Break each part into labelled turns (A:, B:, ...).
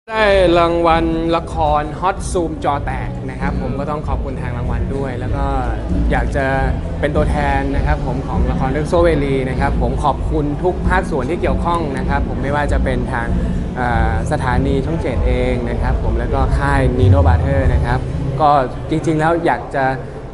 A: ได้รางวัลละครฮอตซูมจอแตกนะครับผมก็ต้องขอบคุณทางรางวัลด้วย แล้วก็อยากจะเป็นตัวแทนนะครับผมของละครเรื่องโซเวลีนะครับผมขอบคุณทุกภาคส่วนที่เกี่ยวข้องนะครับผมไม่ว่าจะเป็นทางสถานีช่องเจ็ดเองนะครับผมแล้วก็ค่ายนีโนบาเทอร์นะครับก็จริงๆแล้วอยากจะ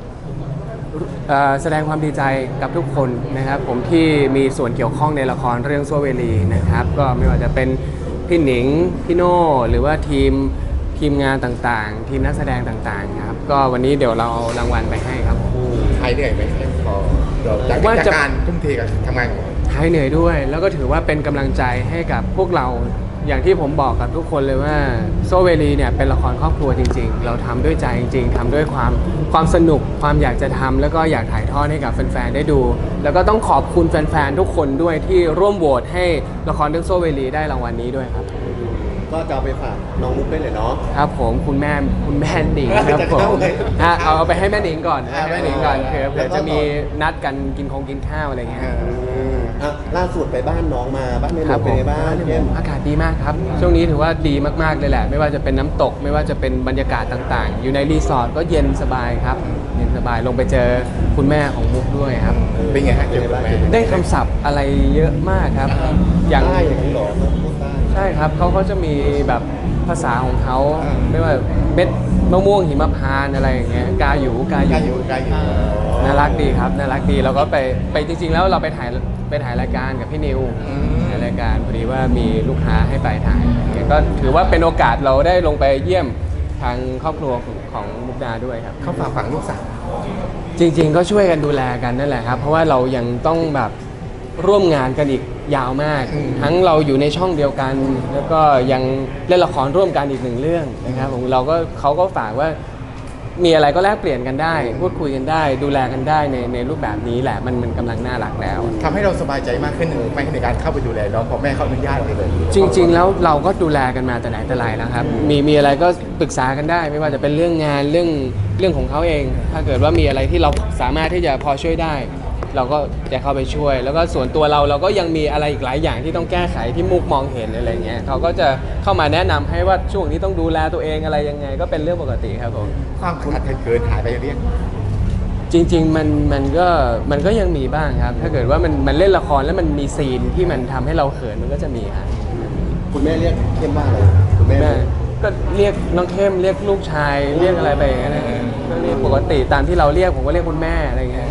A: แสดงความดีใจกับทุกคนนะครับผมที่มีส่วนเกี่ยวข้องในละครเรื่องโซเวลีนะครับก็ไม่ว่าจะเป็นพี่หนิงพี่โน่หรือว่าทีมงานต่างๆทีมนักแสดงต่างๆครับก็วันนี้เดี๋ยวเราเอารางวัลไปให้ครับผม
B: หายเหนื่อยไหมพอจากการทุ่มเทกับทำงานของเรา
A: หายเหนื่อยด้วยแล้วก็ถือว่าเป็นกำลังใจให้กับพวกเราอย่างที่ผมบอกกับทุกคนเลยว่าโซเวลีเนี่ยเป็นละครครอบครัวจริงๆเราทำด้วยใจจริงๆทำด้วยความสนุกความอยากจะทำแล้วก็อยากถ่ายทอดให้กับแฟนๆได้ดูแล้วก็ต้องขอบคุณแฟนๆทุกคนด้วยที่ร่วมโหวตให้ละครเรื่องโซเวลีได้รางวัลนี้ด้วยครับ
C: ก็จะเอาไปฝากน้องมุกได้เลยเนาะ
A: ครับผมคุณแม่หนิงครับผมเอาไปให้แม่หนิงก่อนแม่หนิงก่อนเผื่อจะมีนัดกันกินข้าวอะไรเงี้ย
C: ล่าสุดไปบ้านน้องมาบ้านแม่หนูเป็นไงบ้าง
A: อากาศดีมากครับช่วงนี้ถือว่าดีมากๆเลยแหละไม่ว่าจะเป็นน้ำตกไม่ว่าจะเป็นบรรยากาศต่างๆอยู่ในรีสอร์ทก็เย็นสบายครับเย็นสบายลงไปเจอคุณแม่ของมุกด้วยครับ
B: เป็นไงฮะเจอคุณแม่
A: ได้คำศัพท์อะไรเยอะมากครับ
C: อย่างนี้หรอ
A: ใช่ครับเขาจะมีแบบภาษาของเขาไม่ว่าเม็ดมะม่วงหิมพานต์อะไรอย่างเงี้ยกาอยู่น่ารักดีครับน่ารักดีเราก็ไปจริงๆแล้วเราไปถ่ายรายการกับพี่นิวในรายการพอดีว่ามีลูกค้าให้ไปถ่ายก็ถือว่าเป็นโอกาสเราได้ลงไปเยี่ยมทางครอบครัวของมุกดาด้วยครับ
B: เขาฝากฝังลูกสาว
A: จริงๆก็ช่วยกันดูแลกันนั่นแหละครับเพราะว่าเรายังต้องแบบร่วมงานกันอีกยาวมากทั้งเราอยู่ในช่องเดียวกันแล้วก็ยังเล่นละครร่วมกันอีกหนึ่งเรื่องนะครับผมเขาก็ฝากว่ามีอะไรก็แลกเปลี่ยนกันได้พูดคุยกันได้ดูแลกันได้ในรูปแบบนี้แหละมันกำลังน่ารักแล้ว
B: ทำให้เราสบายใจมากขึ้นในการเข้าไปดูแลน้องพอแม่เขาอนุญาตเลย
A: จริงๆแล้วเราก็ดูแลกันมาแต่ไหนแต่ไรแล้วครับมีอะไรก็ปรึกษากันได้ไม่ว่าจะเป็นเรื่องงานเรื่องของเขาเอง ถ้าเกิดว่ามีอะไรที่เราสามารถที่จะพอช่วยได้เราก็จะเข้าไปช่วยแล้วก็ส่วนตัวเราก็ยังมีอะไรอีกหลายอย่างที่ต้องแก้ไขที่มุกมองเห็นอะไรเงี้ยเขาก็จะเข้ามาแนะนำให้ว่าช่วงนี้ต้องดูแลตัวเองอะไรยังไงก็เป็นเรื่องปกติครับผม
B: ความคุ้นเคยเกินหายไปเรียก
A: จริงๆมันก็ยังมีบ้างครับถ้าเกิดว่ามันเล่นละครแล้วมันมีซีนที่มันทำให้เราเขินมันก็จะมีครับ
C: คุณแม่เรียกเข้มว่าอะไรคุณแม่
A: ก็เรียกน้องเข้มเรียกลูกชายเรียกอะไรไปอย่างเงี้ยก็เรียกปกติตามที่เราเรียกผมก็เรียกคุณแม่อะไรเงี้ย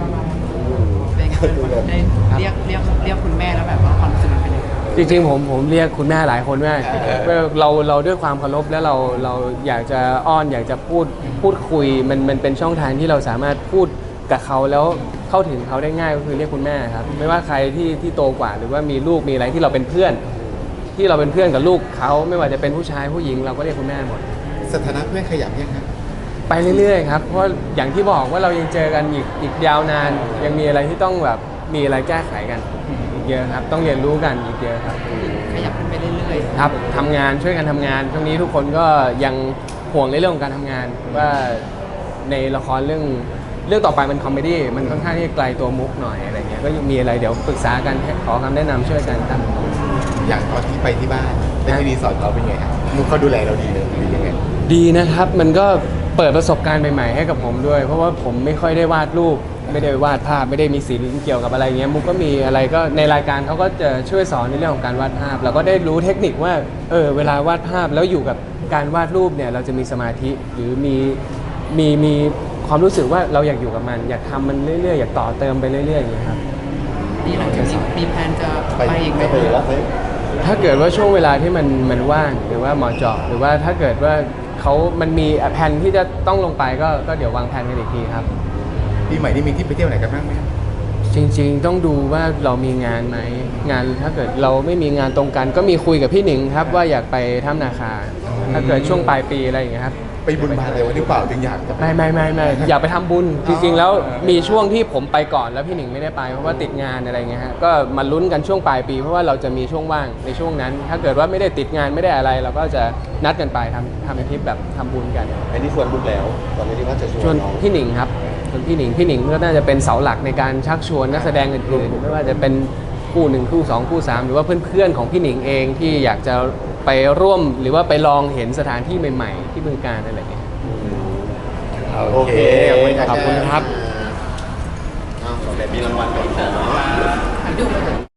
D: เรียกคุณแม่แล้วแบบว่าความรู้สึกเป็นยังไง
A: จริงๆผมเรียกคุณแม่หลายคนมากเราด้วยความเคารพแล้วเราอยากจะอ้อนอยากจะพูดคุยมันเป็นช่องทางที่เราสามารถพูดกับเขาแล้วเข้าถึงเขาได้ง่ายก็คือเรียกคุณแม่ครับไม่ว่าใครที่โตกว่าหรือว่ามีลูกมีอะไรที่เราเป็นเพื่อนกับลูกเขาไม่ว่าจะเป็นผู้ชายผู้หญิงเราก็เรียกคุณแม่หมด
B: สถานะเพื่อนขยับยังครับ
A: ไปเรื่อยๆครับเพราะอย่างที่บอกว่าเรายังเจอกันอีกยาวนานยังมีอะไรที่ต้องแบบมีอะไรแก้ไขกันอีกเยอะครับต้องเรียนรู้กันอีกเยอะครับ
D: ขยับขึ้นไปเรื่อย
A: ๆครับทำงานช่วยกันทำงานช่วงนี้ทุกคนก็ยังห่วงในเรื่องของการทำงานว่าในละครเรื่องต่อไปมันคอมเมดี้มันค่อนข้างที่ไกลตัวมุกหน่อยอะไรเงี้ยก็ยังมีอะไรเดี๋ยวปรึกษากันขอคำแนะนำช่วยกันครับ
B: อย่างตอนที่ไปที่บ้านไปที่รีสอร์ทเขาเป็นไงครับมุกเขาดูแลเราดีเลยดียังไง
A: ดีนะครับมันก็เปิดประสบการณ์ใหม่ๆให้กับผมด้วยเพราะว่าผมไม่ค่อยได้วาดรูปไม่ได้วาดภาพไม่ได้มีศิลป์เกี่ยวกับอะไรเงี้ยมุกก็มีอะไรก็ในรายการเขาก็จะช่วยสอนในเรื่องของการวาดภาพเราก็ได้รู้เทคนิคว่าเวลาวาดภาพแล้วอยู่กับการวาดรูปเนี่ยเราจะมีสมาธิหรือมีความรู้สึกว่าเราอยากอยู่กับมันอยากทำมันเรื่อยๆอยากต่อเติมไปเรื่อยๆอย่างเงี้ยครับ
D: นี่หลังจากนี้มีแผนจะไปอีกไหม
A: ถ้าเกิดว่าช่วงเวลาที่มันว่างหรือว่าเหมาะเจาะหรือว่าถ้าเกิดว่ามันมีแผนที่จะต้องลงไปก็เดี๋ยววางแผนกันอีกทีครับ
B: ปีใหม่นี่มีที่ไปเที่ยวไหนกันบ้างไหม
A: จริงๆต้องดูว่าเรามีงานไหมงานถ้าเกิดเราไม่มีงานตรงกันก็มีคุยกับพี่หนิงครับว่าอยากไปถ้ำนาคาถ้าเกิดช่วงปลายปีอะไรอย่างเงี้ยครับ
B: ไปบุญบาอะไรวันนี้เปล่าถึงอยาก
A: ไม่อยากไปทำบุญจริงๆแล้วมีช่วงที่ผมไปก่อนแล้วพี่หนิงไม่ได้ไปเพราะว่าติดงานอะไรเงี้ยฮะก็มาลุ้นกันช่วงปลายปีเพราะว่าเราจะมีช่วงว่างในช่วงนั้น ถ้าเกิดว่าไม่ได้ติดงานไม่ได้อะไรเราก็จะนัดกันไปทำเป็นทริปแบบทำบุญกัน
C: อันนี้ชวนบุญแล้วตอนนี้ที่ว่าจะชวน
A: พี่หนิงครับพี่หนิงก็น่าจะเป็นเสาหลักในการชักชวนนักแสดงอื่นๆไม่ว่าจะเป็นคู่1คู่2คู่3หรือว่าเพื่อนๆของพี่หนิงเองที่อยากจะไปร่วมหรือว่าไปลองเห็นสถานที่ใหม่ๆที่บึงกาฬอะไรเงี้ย
B: โอเค
A: ขอบคุณครับ
C: อ้าวแบบมีรางวัลก่อนนะ
D: ดู